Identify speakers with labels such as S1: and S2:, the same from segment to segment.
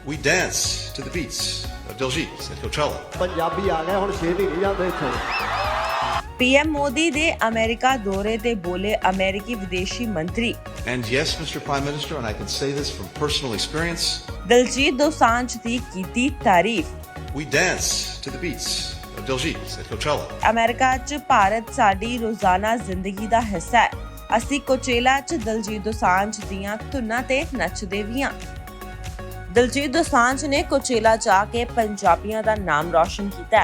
S1: We dance to the beats of Diljit at Coachella.
S2: Punjabi ਆ ਗਏ ਹੁਣ 6 ਮਹੀਨੇ ਜਾਂਦੇ ਇੱਥੋਂ
S3: ਪੀਐਮ ਮੋਦੀ ਦੇ ਅਮਰੀਕਾ ਦੌਰੇ ਤੇ ਬੋਲੇ ਅਮਰੀਕੀ ਵਿਦੇਸ਼ੀ ਮੰਤਰੀ
S1: And yes, Mr. Prime Minister, and I can say this from personal experience,
S3: Daljit Dosanjh ਦੀ ਕੀਤੀ ਤਾਰੀਫ।
S1: we dance to the beats of Diljit at Coachella.
S3: America 'ਚ ਭਾਰਤ ਸਾਡੀ ਰੋਜ਼ਾਨਾ ਜ਼ਿੰਦਗੀ ਦਾ ਹਿੱਸਾ ਹੈ। ਅਸੀਂ ਕੋਚੇਲਾ 'ਚ ਦਲਜੀਤ ਦੋਸਾਂਝ ਦੀਆਂ ਧੁਨਾਂ ਤੇ ਨੱਚਦੇ ਵੀ ਹਾਂ। ਦਲਜੀਤ ਦੋਸਾਂਝ ਨੇ ਕੋਚੇਲਾ ਜਾ ਕੇ ਪੰਜਾਬੀਆਂ ਦਾ ਨਾਮ ਰੌਸ਼ਨ ਕੀਤਾ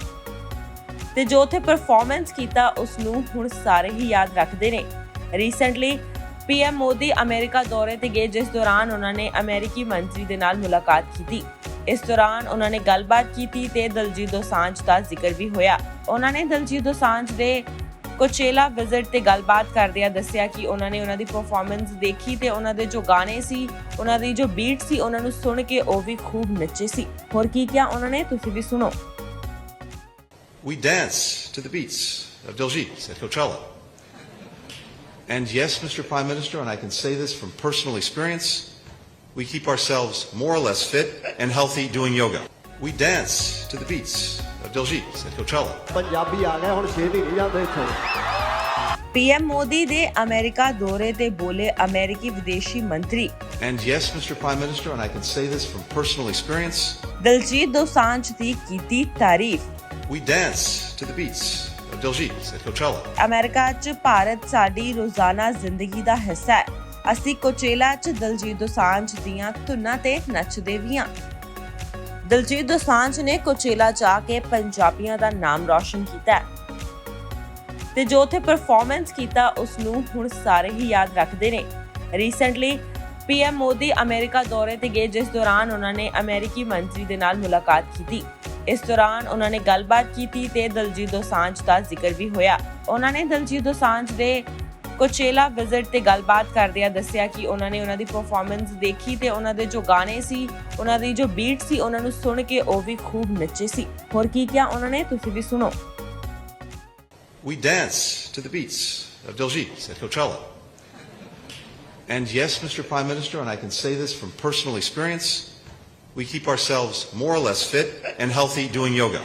S3: ਤੇ ਜੋ ਉੱਥੇ ਪਰਫਾਰਮੈਂਸ ਕੀਤਾ ਉਸ ਨੂੰ ਹੁਣ ਸਾਰੇ ਹੀ ਯਾਦ ਰੱਖਦੇ ਨੇ। ਰੀਸੈਂਟਲੀ ਪੀਐਮ ਮੋਦੀ ਅਮਰੀਕਾ ਦੌਰੇ ਤੇ ਗਏ, ਜਿਸ ਦੌਰਾਨ ਉਹਨਾਂ ਨੇ ਅਮਰੀਕੀ ਮੰਤਰੀ ਦੇ ਨਾਲ ਮੁਲਾਕਾਤ ਕੀਤੀ। ਇਸ ਦੌਰਾਨ ਉਹਨਾਂ ਨੇ ਗੱਲਬਾਤ ਕੀਤੀ ਤੇ ਦਲਜੀਤ ਦੋਸਾਂਝ ਦਾ ਜ਼ਿਕਰ ਵੀ ਹੋਇਆ। ਉਹਨਾਂ ਨੇ ਦਲਜੀਤ ਦੋਸਾਂਝ ਦੇ ਕੋਚੇਲਾ ਵਿਜ਼ਿਟ ਤੇ ਗੱਲਬਾਤ ਕਰਦਿਆਂ ਦੱਸਿਆ ਕਿ ਉਹਨਾਂ ਨੇ ਉਹਨਾਂ ਦੀ ਪਰਫਾਰਮੈਂਸ ਦੇਖੀ ਤੇ ਉਹਨਾਂ ਦੇ ਜੋ ਗਾਣੇ ਸੀ, ਉਹਨਾਂ ਦੀ ਜੋ ਬੀਟ ਸੀ, ਉਹਨਾਂ ਨੂੰ ਸੁਣ ਕੇ ਉਹ ਵੀ ਖੂਬ ਨੱਚੇ ਸੀ। ਹੋਰ ਕੀ ਕਿਹਾ ਉਹਨਾਂ ਨੇ, ਤੁਸੀਂ ਵੀ ਸੁਣੋ।
S1: We dance to the beats of Diljit at Coachella. And yes, Mr. Prime Minister, and I can say this from personal experience, we keep ourselves more or less fit and healthy doing yoga. We dance to the beats of Diljit at Coachella.
S2: Punjabi ਆ ਗਏ ਹੁਣ 6 ਮਹੀਨੇ ਜਾਂਦੇ ਇੱਥੋਂ
S3: PM Modi ਦੇ America ਦੌਰੇ ਤੇ ਬੋਲੇ ਅਮਰੀਕੀ ਵਿਦੇਸ਼ੀ ਮੰਤਰੀ
S1: And yes, Mr. Prime Minister, and I can say this from personal experience,
S3: Daljit Dosanjh ਦੀ ਕੀਤੀ ਤਾਰੀਫ।
S1: we dance to the beats of Diljit at Coachella.
S3: America 'ਚ ਭਾਰਤ ਸਾਡੀ ਰੋਜ਼ਾਨਾ ਜ਼ਿੰਦਗੀ ਦਾ ਹਿੱਸਾ ਹੈ। ਅਸੀਂ ਕੋਚੇਲਾ 'ਚ ਦਲਜੀਤ ਦੋਸਾਂਝ ਦੀਆਂ ਧੁਨਾਂ ਤੇ ਨੱਚਦੇ ਵੀ ਹਾਂ। ਦਲਜੀਤ ਦੋਸਾਂਝ ਨੇ ਕੋਚੇਲਾ ਜਾ ਕੇ ਪੰਜਾਬੀਆਂ ਦਾ ਨਾਮ ਰੌਸ਼ਨ ਕੀਤਾ ਤੇ ਜੋ ਉੱਥੇ ਪਰਫਾਰਮੈਂਸ ਕੀਤਾ ਉਸ ਨੂੰ ਹੁਣ ਸਾਰੇ ਹੀ ਯਾਦ ਰੱਖਦੇ ਨੇ। ਰੀਸੈਂਟਲੀ ਪੀਐਮ ਮੋਦੀ ਅਮਰੀਕਾ ਦੌਰੇ ਤੇ ਗਏ, ਜਿਸ ਦੌਰਾਨ ਉਹਨਾਂ ਨੇ ਅਮਰੀਕੀ ਮੰਤਰੀ ਦੇ ਨਾਲ ਮੁਲਾਕਾਤ ਕੀਤੀ। ਇਸ ਦੌਰਾਨ ਉਹਨਾਂ ਨੇ ਗੱਲਬਾਤ ਕੀਤੀ ਤੇ ਦਲਜੀਤ ਦੋਸਾਂਝ ਦਾ ਜ਼ਿਕਰ ਵੀ ਹੋਇਆ। ਉਹਨਾਂ ਨੇ ਦਲਜੀਤ ਦੋਸਾਂਝ ਦੇ ਕੋਚੇਲਾ ਵਿਜ਼ਿਟ ਤੇ ਗੱਲਬਾਤ ਕਰਦਿਆਂ ਦੱਸਿਆ ਕਿ ਉਹਨਾਂ ਨੇ ਉਹਨਾਂ ਦੀ ਪਰਫਾਰਮੈਂਸ ਦੇਖੀ ਤੇ ਉਹਨਾਂ ਦੇ ਜੋ ਗਾਣੇ ਸੀ, ਉਹਨਾਂ ਦੀ ਜੋ ਬੀਟ ਸੀ, ਉਹਨਾਂ ਨੂੰ ਸੁਣ ਕੇ ਉਹ ਵੀ ਖੂਬ ਨੱਚੇ ਸੀ। ਹੋਰ ਕੀ ਕਿਹਾ ਉਹਨਾਂ ਨੇ, ਤੁਸੀਂ ਵੀ ਸੁਣੋ।
S1: We dance to the beats of Diljit at Coachella. And yes, Mr. Prime Minister, and I can say this from personal experience, we keep ourselves more or less fit and healthy doing yoga.